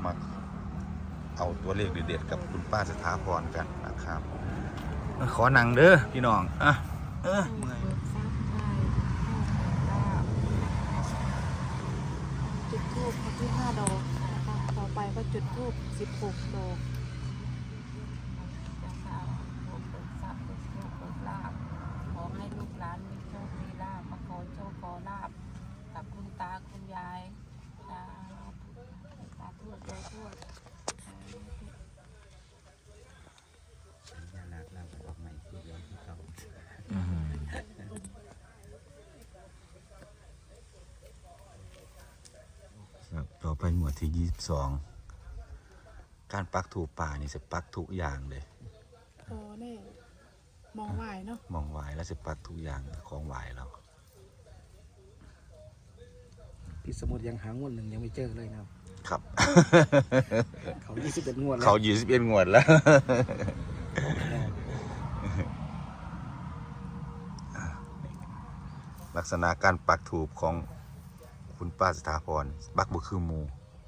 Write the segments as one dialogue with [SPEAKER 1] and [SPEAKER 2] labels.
[SPEAKER 1] มาเอาตัวเลขเด็ดๆกับคุณป้าสถาพรกันนะครับขอนั่งเด้อพี่น้องเมื่อย
[SPEAKER 2] จุดธูปที่5 ดอกนะคะต่อไปก็จุดธูป16 ดอก
[SPEAKER 3] ขอให้ลูกหลานมีโชคมีลาภมาขอโชคขอลาภกับคุณตาคุณยายตาทวดยายทวด
[SPEAKER 1] ต่อไปหมวดที่22การปักถูกป่านี่จะปักทุกอย่างเลย
[SPEAKER 2] โอ้นี่มองไหวเนาะ
[SPEAKER 1] มองไหวแล้วจะปักทุกอย่างของไหวแล้ว
[SPEAKER 4] พี่สมุทรยังหางวดหนึ่งยังไม่เจอเลย
[SPEAKER 1] ครับ
[SPEAKER 4] เขา21 งวดแล้ว
[SPEAKER 1] เขา21 งวดแล้วลักษณะการปักถูกของคุณป้าสถาพรปักบุคือหมู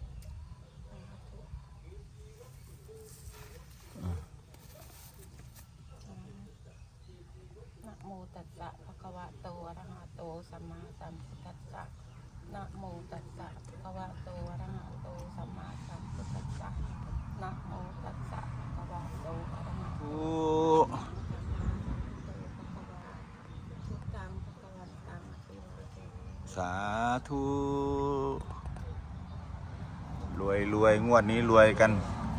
[SPEAKER 3] นะโมตัสสะภะคะวะโตอะระหะโตสัมมาสัมพุทธัสสะนะโมตัสสะภะคะวะโตอะระหะโตสัมมาสัมพุทธัสสะนะโมตัสสะภะคะวะโตอะระหะโต
[SPEAKER 1] สาธุรวยงวดนี้รวยกัน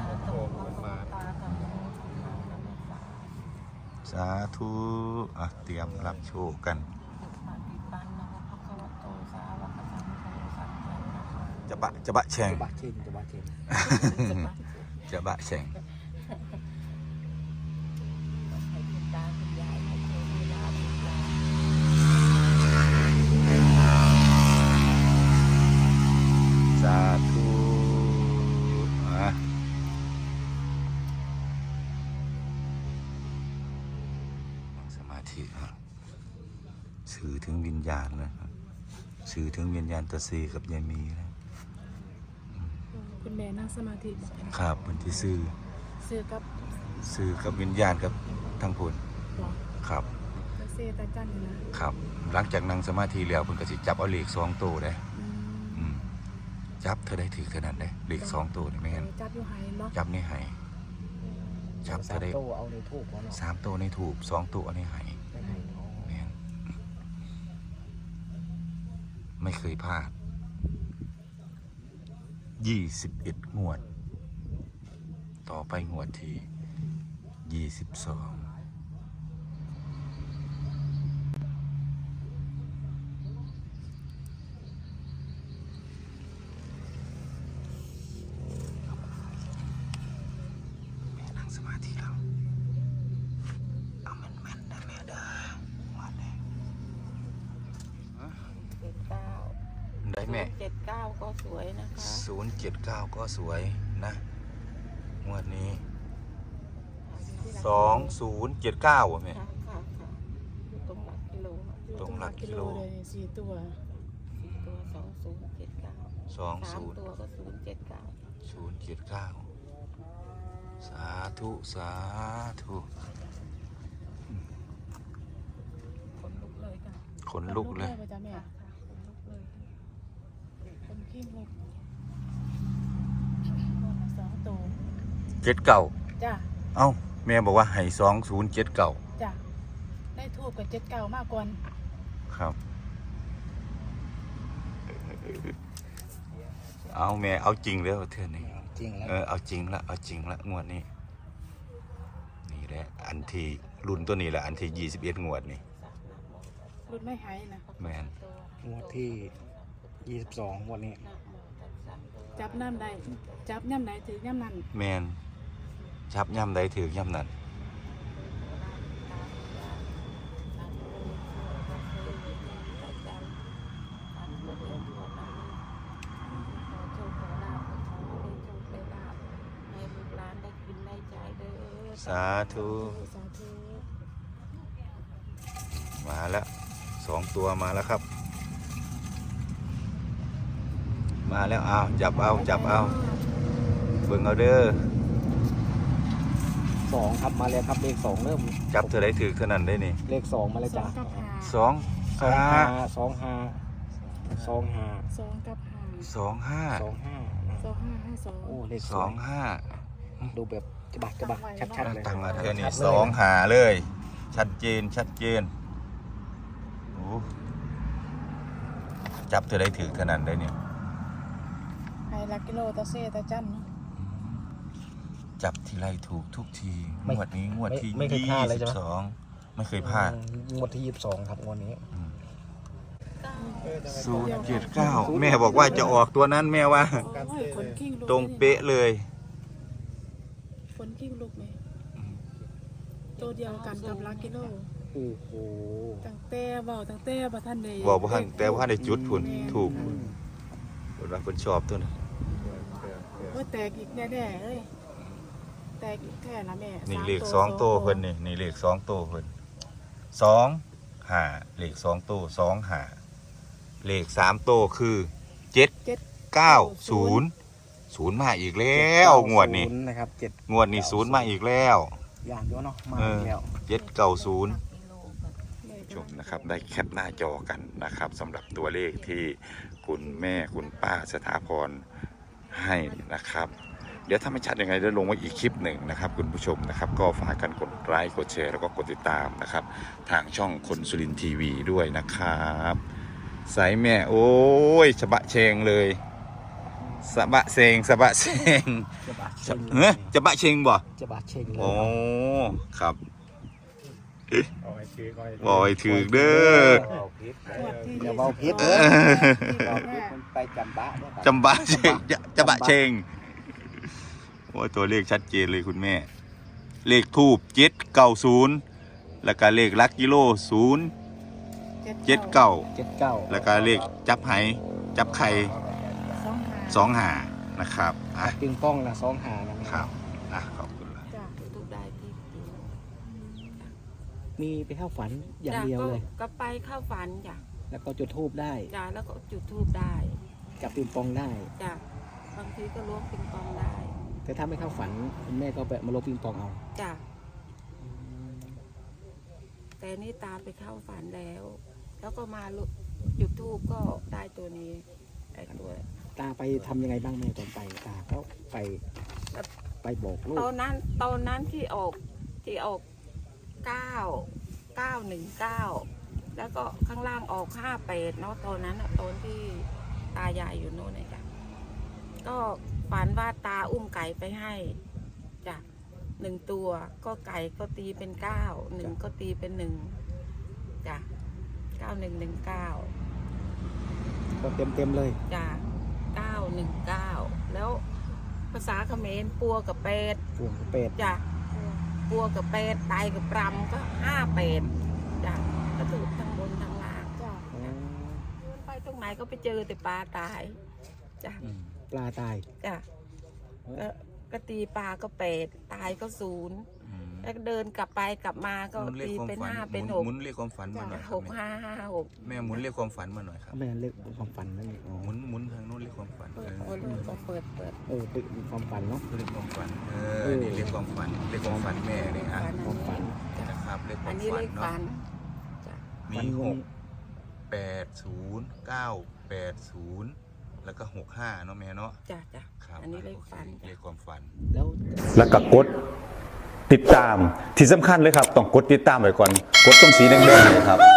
[SPEAKER 1] สาธุเตรียมรับโชคกันจะบะแฉงจะบะแฉงสาธุสมาธิสื่อถึงวิญญาณนะสื่อถึงวิญญาณตาซีกับยายมีนะ
[SPEAKER 2] คุณแม่นั่งสมาธิ
[SPEAKER 1] ครับเป็นที่สื่อกับวิญญาณกับทั้งผลครับ
[SPEAKER 2] เซตาจันนะครับ
[SPEAKER 1] หลังจากนั่งสมาธิแล้วเพิ่นก็สิจับเอาเลข2 ตัวได้จับเธอได้ถือเท่านั้นได้เลข2 ตัวนี่ไม่งั้น
[SPEAKER 2] จับอยู่ไหเนาะ
[SPEAKER 1] จับในไหจับเธอได้
[SPEAKER 4] 3 ตัวเอาในทูบ
[SPEAKER 1] 3 ตัวในถูก2 ตัวในไหแม่นไม่เคยพลาด21 งวดต่อไปงวดที่22ได้แม่
[SPEAKER 3] 079ก็สวยนะคะ
[SPEAKER 1] 079ก็สวยนะงวดนี้2079อ่ะแม่
[SPEAKER 3] ตรงหลักกิโล
[SPEAKER 2] เลย4 ตัว
[SPEAKER 3] 2079 3 ตัวก็079
[SPEAKER 1] สาธุ
[SPEAKER 3] ขนลุกเลยค่ะ
[SPEAKER 1] ขนลุกเลย
[SPEAKER 2] คนขี้งก2 ตัว
[SPEAKER 1] 79
[SPEAKER 2] จ้ะ
[SPEAKER 1] เอ้าแม่บอกว่าให้2079
[SPEAKER 2] จ้ะได้ทูบกับ79มากกว่า
[SPEAKER 1] ครับเอาแม่เอาจริงแล้วเทื่อนี้
[SPEAKER 4] จริงแล้ว
[SPEAKER 1] เอาจริงละงวดนี้นี่แหละอันที่รุ่นตัวนี้แหละอันที่21 งวดนี่
[SPEAKER 2] รุ่นไม่หายนะ
[SPEAKER 1] แม่น
[SPEAKER 4] งวดที่22วันนี้
[SPEAKER 2] จับน้ำใดจับย่ำไหนถือย่ำนั้น
[SPEAKER 1] แม่นจับย่ำใดถือย่ำนั้นสาธุมาแล้ว2 ตัวมาแล้วครับมาแล้วจับเอาเบิ่งเอาเด้อ
[SPEAKER 4] 2ครับมาแล้วครับเลข2เริ่ม
[SPEAKER 1] จับเธอได้ถือเท่านั้นได้นี่
[SPEAKER 4] เลข2มาแล้ว
[SPEAKER 2] สอ
[SPEAKER 4] จ้ะ
[SPEAKER 2] งกับหา
[SPEAKER 1] สอง
[SPEAKER 4] สอง
[SPEAKER 1] ห้า
[SPEAKER 4] ห้าสองห้าสองห้า
[SPEAKER 2] สองกับหา
[SPEAKER 1] สองห้า
[SPEAKER 4] สองห้า
[SPEAKER 2] 2552
[SPEAKER 4] โอ้เลข
[SPEAKER 1] สองห้า
[SPEAKER 4] ดูแบบจะบักชัดๆเลย
[SPEAKER 1] ตั้งมาแค่
[SPEAKER 4] ชั
[SPEAKER 1] นี้
[SPEAKER 4] ดๆลย
[SPEAKER 1] สองหาเลย ชัดเจนโอ้จับเธอได้ถือเท่านั้นได้เนี่ย
[SPEAKER 2] ไฮลักกิโลตาเซตาจันเนาะ
[SPEAKER 1] จับทีไรถูกทุกทีงวดนี้งวดที่
[SPEAKER 4] ไม่เคยพลาดเลยใช่ไหม
[SPEAKER 1] 22ไม่เคยพลาด
[SPEAKER 4] งวดที่22ครับงวดนี้
[SPEAKER 1] 079แม่บอกว่าจะออกตัวนั้นแม่ว่า
[SPEAKER 2] โอ้ยคนกิ้งลุก
[SPEAKER 1] ตรงเป๊ะเลย
[SPEAKER 2] คนกิ้งลุกไหมตัวเดียวกันกับลักกิโล
[SPEAKER 4] โอ้โห
[SPEAKER 2] ตั้งแต่บ่ทันได้
[SPEAKER 1] บอกว่าแต่ว่าได้จุดพุ่นถูกเพิ่นว่าเพิ่นชอบตัวนั้น
[SPEAKER 2] ว่าแตกอีกแน่ๆเอ้ยแตกอีกแค่ละแม่
[SPEAKER 1] นี่
[SPEAKER 2] สาม
[SPEAKER 1] เลข2โตวเพิ่นนี่เลข2โตวเพิ่น2 5เลข2โตว2 5เลข3โตวคือ7 9 0 0มาอีกแล้วงวดนี้
[SPEAKER 4] ศูย์นะครับ7
[SPEAKER 1] งวดนี้0มาอีกแล้ว
[SPEAKER 4] อย่างเดียวเนาะมาอีกแล้ว
[SPEAKER 1] 790
[SPEAKER 3] กิโลกัน
[SPEAKER 1] ชมนะครับได้แคปหน้าจอกันนะครับสำหรับตัวเลขที่คุณแม่คุณป้าสถาพรให้นะครับ เดี๋ยวถ้าไม่ชัดยังไงเดี๋ยวลงไว้อีกคลิปหนึ่งนะครับคุณผู้ชมนะครับ ก็ฝากกันกดไลค์กดแชร์แล้วก็กดติดตามนะครับ ทางช่องคนสุรินทร์ทีวีด้วยนะครับสายแม่โอ้ยฉบะเชงเลยสะบะเชงสะบะเชง
[SPEAKER 4] จะบาดเชง
[SPEAKER 1] เฮ้ยจะบะเชงบ่
[SPEAKER 4] จะบาดเชงเลย
[SPEAKER 1] โอ้ครับ
[SPEAKER 4] เอาไอ้ถือ
[SPEAKER 1] บอยถือเด้อ
[SPEAKER 4] อย่าเบาพิษ
[SPEAKER 1] เอ
[SPEAKER 4] เด้อ
[SPEAKER 1] อ
[SPEAKER 4] เบาพิษมันไปจำบะเนี่ย
[SPEAKER 1] จำบะเชงจะบะเชงโอ้ยตัวเลขชัดเจนเลยคุณแม่ เลขทูบ790แล้วก็เลขลักกิโล079
[SPEAKER 4] 79
[SPEAKER 1] แล้วก็เลขจับไหจับไข่25นะครับอ่ะ
[SPEAKER 4] ปิงป้องนะ2หานะครับ
[SPEAKER 1] อ่ะขอบคุณละ
[SPEAKER 2] จ้ะ
[SPEAKER 3] ทุกได้ที่
[SPEAKER 4] มีไปเข้าฝันอย่างเดียวเลย
[SPEAKER 3] ก็ไปเข้าฝันจ้ะ
[SPEAKER 4] แล้วก็จุดธูปได้
[SPEAKER 3] จ้ะแล้วก็จุดธูปได้
[SPEAKER 4] จับปิงปองได้
[SPEAKER 3] จ้ะบางทีก็ล้วงปิงปองได้
[SPEAKER 4] แต่ถ้าไม่เข้าฝันคุณแม่ก็ไปมาลบปิงปองเอา
[SPEAKER 3] จ้ะแต่นี่ตาไปเข้าฝันแล้ว แล้วก็มาจุดธูปก็ได้ตัวนี้ไอ้ตัว
[SPEAKER 4] ตาไปทำยังไงบ้างแม่ตอนไปตาก็ไปบอกลูก
[SPEAKER 3] ตอนนั้นที่ออก919แล้วก็ข้างล่างออก58เนาะตอนนั้นอะตอนที่ตายายอยู่โน่นเนี่ยจ้ะก็ฝันว่าตาอุ้มไก่ไปให้จ้ะ1 ตัวก็ไก่ก็ตีเป็น9 1ก็ตีเป็น1จ้ะ9119
[SPEAKER 4] ก็เต็มเลย
[SPEAKER 3] จ้ะ919แล้วภาษาเขมรปัวกับเป็ด
[SPEAKER 4] ปวงเป็ด
[SPEAKER 3] จ้ะปัวกับเป็ดตายกับปรำก็58จ้ะก็ถูกทั้งบนทั้งล่าง
[SPEAKER 2] จ้ะ
[SPEAKER 3] ไปตรงไหนก็ไปเจอแต่ปลาตายจ้ะ
[SPEAKER 4] ปลาตาย
[SPEAKER 3] จ้ะก็ตีปลาก็8ตายก็0แล้วก็เดินกลับไปกลับมาก็ตีเป็น5เป็น
[SPEAKER 1] หมุนเรียกความฝันมาหน่อยครับ
[SPEAKER 3] 6556
[SPEAKER 1] แม่หมุนเรียกความฝันมาหน่อยครับ
[SPEAKER 4] แม่เรียกความฝันนั่นเองอ๋อ
[SPEAKER 1] หมุนทางโน้นเรียกความฝัน
[SPEAKER 3] เปิดเปิด
[SPEAKER 4] เป็นความฝันเนาะ
[SPEAKER 1] เรียกความฝันนี่เรียกความฝันเรียกความฝันแม่นี่อ่ะ
[SPEAKER 4] ความฝัน
[SPEAKER 1] นะครับเรียกค
[SPEAKER 3] อั
[SPEAKER 1] วาน ม
[SPEAKER 3] นี้
[SPEAKER 1] ฝั
[SPEAKER 3] เล
[SPEAKER 1] น
[SPEAKER 3] ข
[SPEAKER 1] เนาะ
[SPEAKER 3] ฝันจ้ะ
[SPEAKER 1] มี
[SPEAKER 4] ฝัน
[SPEAKER 1] 6 8 0 9 8 0แล้วก็65เนาะแม่เนาะ
[SPEAKER 3] จ้ะจ้ะ
[SPEAKER 1] ครับ
[SPEAKER 3] อันนี้เลขฝัน
[SPEAKER 1] เรียกความฝัน
[SPEAKER 4] แล้ว
[SPEAKER 5] แล้วก็กดติดตามที่สำคัญเลยครับ ต้องกดติดตามไว้ก่อน กดตรงสีแดงๆเนยครับ